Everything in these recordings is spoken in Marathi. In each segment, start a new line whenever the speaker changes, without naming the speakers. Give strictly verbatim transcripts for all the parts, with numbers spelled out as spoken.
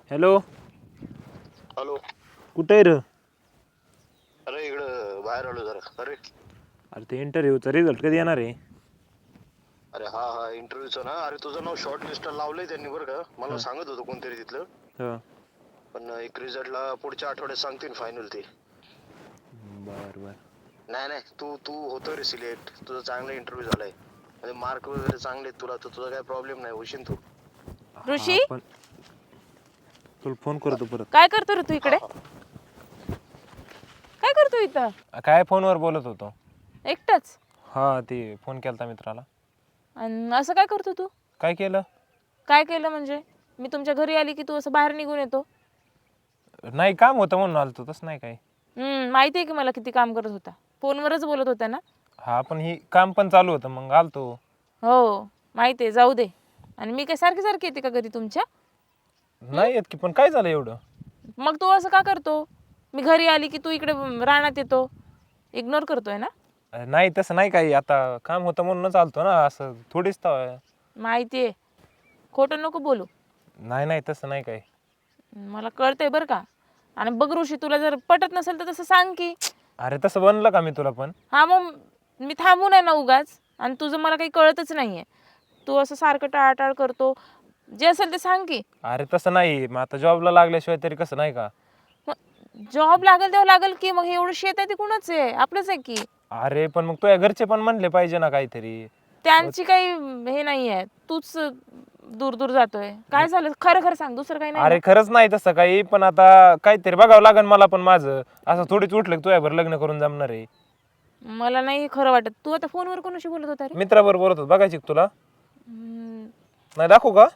हॅलो.
हॅलो.
कुठे आहे रे?
अरे इकडं बाहेर आलो जरा. अरे
अरे ते इंटरव्ह्यूचा रिझल्ट कधी येणार आहे?
अरे हा हा इंटरव्ह्यूचं ना. अरे तुझं नाव शॉर्ट लिस्टला लावलंय त्यांनी बरं का. मला
हा.
सांगत होतं कोणतरी तिथलं.
हा.
पण एक रिझल्टला पुढच्या आठवड्यात सांगतील फायनल ते.
बर बर.
नाही नाही तू तू होतो रे सिलेक्ट. तुझा चांगला इंटरव्ह्यू झालाय. म्हणजे मार्क वगैरे चांगले आहेत तुला, तर तुझा काय प्रॉब्लेम नाही, होशील तू.
हा
ऋषी
पण तुला फोन करतो परत.
काय करतो रे तू
हा
इकडे?
हा.
काय करतो इथं
काय फोनवर बोलत होतो.
एकटाच?
हा ते फोन केलता मित्राला.
आणि असं काय करतो तू?
काय केलं?
काय केलं म्हणजे? मी तुमच्या घरी आली की तू असं बाहेर निघून येतो?
नाही काम होतं म्हणून आलतो, तसं नाही काय.
हम्म माहिती आहे की मला किती काम करत होता. फोनवरच बोलत होता ना?
हा पण ही काम पण चालू होतं मग आलतो.
हो माहिती आहे, जाऊ दे. आणि मी काय सारखी सारखी येते का घरी तुमच्या?
नाही येत की, पण काय झालं एवढं?
मग तू असं का करतो? मी घरी आली की तू इकडे रानात येतो. इग्नोर करतोय ना?
अरे नाही तसं नाही काही, आता काम होतं म्हणूनच आलतो ना, असं थोडीच तर.
माहिती आहे, खोटं नको बोलू.
नाही नाही तसं नाही काही.
मला कळतंय बरं का. आणि बघ ऋषी, तुला जर पटत नसेल तर तसं सांग की.
अरे तसं बनलं का मी तुला पण?
हा मग मी थांबू नये ना उगाच. आणि तुझं मला काही कळतच नाहीये. तू असं सारखं टाळाटाळ करतो. जे असेल ते सांग की.
अरे तसं नाही, मग आता जॉबला लागल्याशिवाय तरी कसं, नाही का?
जॉब लागेल तेव्हा लागेल की. मग हे एवढं शेत आहे ते कुणाच आहे? आपलंच आहे की.
अरे पण मग तुझ्या घरचे पण म्हणले पाहिजे ना काहीतरी.
त्यांची काही हे नाहीये. तूच दूर दूर जातोय. काय झालं खरं खरं सांग, दुसरं काही नाही
अरे
ना?
खरंच नाही तसं काही, पण आता काहीतरी बघावं लागेल मला पण माझं. असं थोडीच उठलं की तुझ्यावर लग्न करून जमणार आहे.
मला नाही खरं वाटत. तू आता फोनवर कोणाशी बोलत होता रे?
मित्राबरोबर बोलत होतो, बघायची का तुला?
हम्म,
नाही दाखवू का?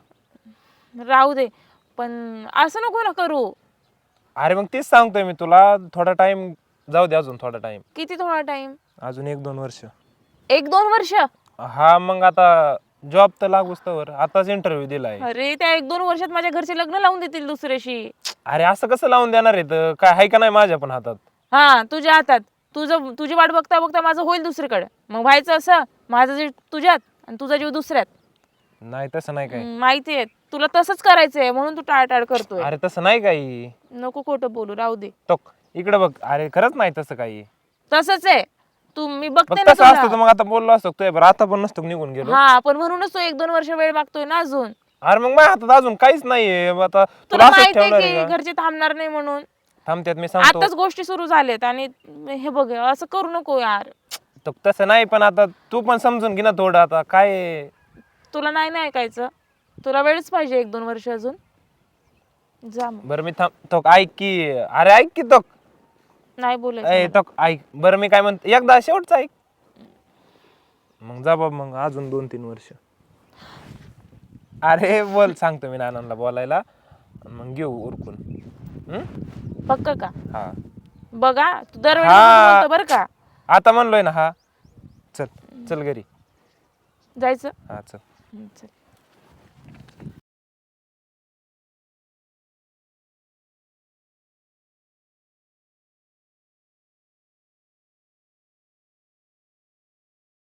राहू दे. पण असं नको ना करू.
अरे मग तेच सांगतोय मी तुला, थोडा टाइम जाऊ दे, अजून थोडा टाइम.
किती थोडा टाइम?
अजून एक दोन वर्ष.
एक दोन वर्ष?
हा मग आता जॉब तर लागूच तर, आताच इंटरव्ह्यू दिलाय.
अरे त्या एक दोन वर्षात माझ्या घरचे लग्न लावून देतील दुसऱ्याशी.
अरे असं कसं लावून देणार आहे? तर काय आहे का नाही माझ्या पण हातात?
हा तुझ्या हातात. तुझं तुझी वाट बघता बघता माझं होईल दुसरीकडे. मग व्हायचं असं, माझं जीव तुझ्यात आणि तुझा जीव दुसऱ्यात.
नाही तसं नाही काही.
हम्म, माहितीये तुला तसंच करायचंय म्हणून तू टाळटाळ करतोय.
अरे तसं नाही काही.
नको खोटं बोलू, राहू दे.
टोक इकडे बघ. अरे खरंच नाही तसं काही.
तसंच आहे. तू मी
मग
बघते ना
तसं असतं तर
तुला.
मग आता बोललो असतो तुझ्या बरं, आता पण नसतो निघून गेलो.
हा पण म्हणूनच तो एक दोन वर्ष वेळ मागतोय ना अजून.
अरे मग माझ्या हातात अजून काहीच नाहीये. मग आता तुला
तुला
असंच
माहितीये
ठेवणार
की
आहे का?
घरचे थांबणार नाही म्हणून.
थांबत्यात मी सांगतो.
आताच गोष्टी सुरू झाल्यात आणि हे बघ असं करू नको यार.
तो तसं नाही, पण आता तू पण समजून घे ना थोडं. आता काय आहे?
तुला नाही ना ऐकायचं. तुला वेळच पाहिजे एक दोन वर्ष अजून. जा मग.
बरं मी थांब तो ऐक की. अरे ऐक की तो.
नाही बोलायचं
ए
मला.
तो ऐक. बरं मी काय म्हणतो, एकदा शेवटचं ऐक. मग जा बाबा, मग अजून दोन तीन वर्ष. अरे बोल, सांगतो मी नानांना बोलायला, मग घेऊ उरकून. हम्म?
पक्क का?
हा
बघा तू दरवेळी
हा.
तसंच बोलतो बरं का.
आता म्हणलोय ना. हा चल चल घरी.
जायचं?
हा चल.
हम्म, चल.